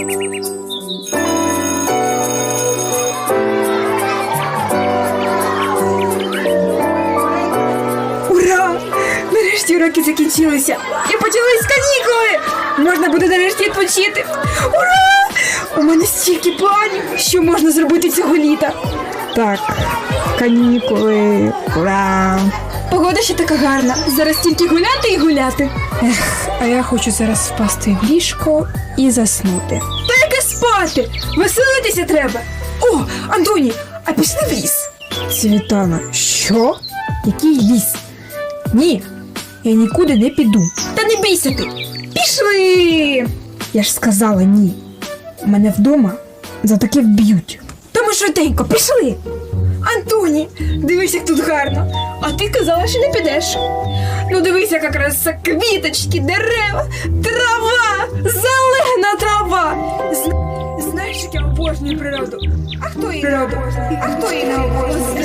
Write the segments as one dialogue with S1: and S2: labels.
S1: Ура! Нарешті уроки закінчилися і почались канікули! Можна буде нарешті відпочити! Ура! У мене стільки планів, що можна зробити цього літа. Так, канікули, ура! Погода ще така гарна, зараз тільки гуляти і гуляти. А я хочу зараз впасти в ліжко і заснути. Та яке спати? Веселитися треба! О, Антоні, а пішли в ліс? Світлана, що? Який ліс? Ні, я нікуди не піду. Та не бійся ти! Пішли! Я ж сказала ні. Мене вдома за таке вб'ють. Та ми швиденько, пішли! Антоні, дивись, як тут гарно. А ти казала, що не підеш. Ну дивись, яка краса, квіточки, дерева, трава, зелена трава. Знаєш, як я обожнюю природу? А хто її не обожнює? А хто її не обожнює?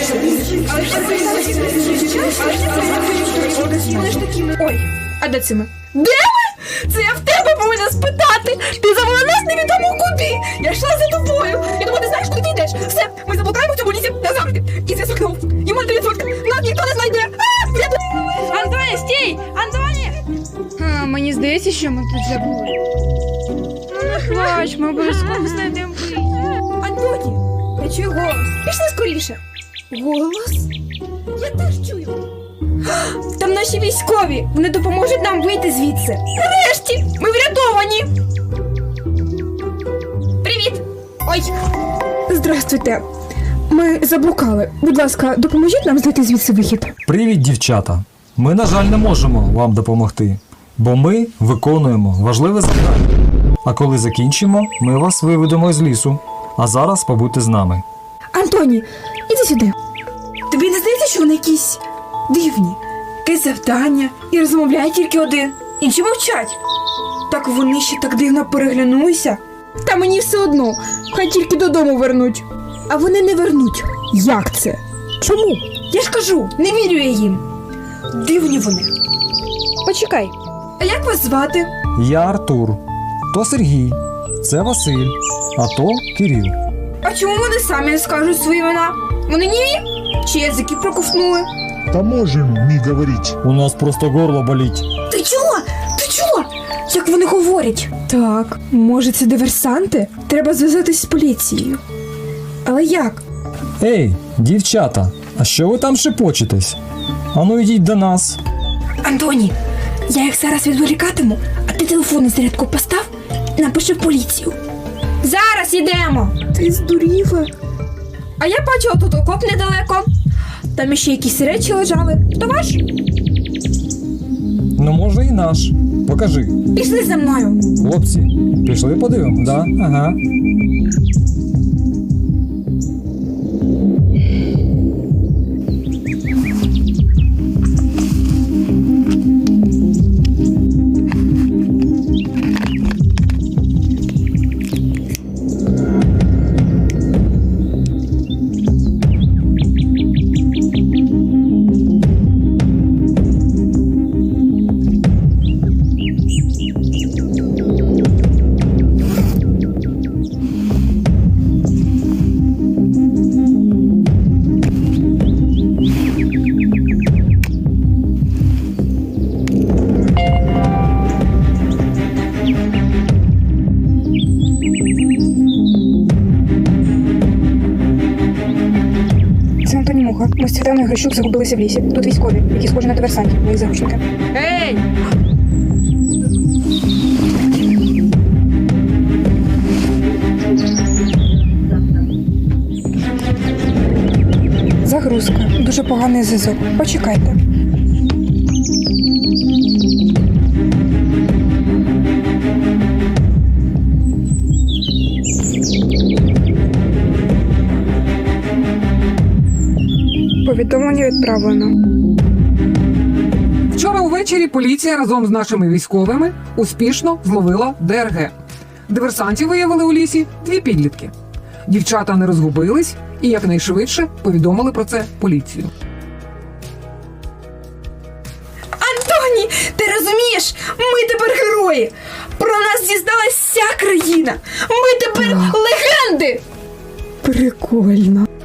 S1: Ой, а де це ми? Де ми? Це я в тебе повинна спитати. Ти завела нас невідомо куди. Я йшла за тобою. Я думаю, ти знаєш, куди ти йдеш. Все, ми заблукаємо в цьому лісі назавжди. І зв'язок на вулиці. Йому 3%. Нас ніхто не знайде.
S2: Антоні, стій! Антоні! Мені здається, що ми тут забули. Ну не плач, ми обов'язково знайдемо вихід.
S1: Антоні, я чую голос. Пішли скоріше. Голос? Я теж чую. Там наші військові. Вони допоможуть нам вийти звідси. Нарешті! Ми врятовані! Привіт! Ой! Здрастуйте. Ми заблукали. Будь ласка, допоможіть нам знайти звідси вихід.
S3: Привіт, дівчата! Ми, на жаль, не можемо вам допомогти, бо ми виконуємо важливе завдання. А коли закінчимо, ми вас виведемо з лісу. А зараз побудьте з нами.
S1: Антоні, іди сюди. Тобі не здається, що вони якісь дивні? Якесь завдання і розмовляє тільки один. Інші мовчать. Так вони ще так дивно переглянулися. Та мені все одно, хай тільки додому вернуть. А вони не вернуть. Як це? Чому? Я ж кажу, не вірю я їм. Дивні вони. Почекай. А як вас звати?
S3: Я Артур, то Сергій, це Василь, а то Кирил.
S1: А чому вони самі не скажуть свої імена? Вони німі? Чи язики проковтнули?
S4: Да можем не говорить.
S3: У нас просто горло болить.
S1: Ти чула? Ти чула? Як вони говорять? Так, може це диверсанти? Треба зв'язатись з поліцією. Але як?
S3: Ей, дівчата, а що ви там шепочетесь? Ану йдіть до нас.
S1: Антоні, я їх зараз відволікатиму, а ти телефон на зарядку постав і напиши в поліцію. Зараз йдемо! Ти здуріла. А я бачила тут окоп недалеко. Там іще якісь речі лежали. То ваш?
S3: Ну, може, і наш. Покажи.
S1: Пішли за мною.
S3: Хлопці, пішли подивимо, да? Ага.
S1: Ми з Світланою Грищук загубилися в лісі. Тут військові, які схожі на диверсантів, мої заручники.
S2: Ей!
S1: Загрузка. Дуже поганий зв'язок. Почекайте. Повідомлення відправлено.
S5: Вчора увечері поліція разом з нашими військовими успішно зловила ДРГ. Диверсантів виявили у лісі 2 підлітки. Дівчата не розгубились і якнайшвидше повідомили про це поліцію.
S1: Антоні, ти розумієш? Ми тепер герої! Про нас дізналась вся країна. Ми тепер легенди. Прикольно.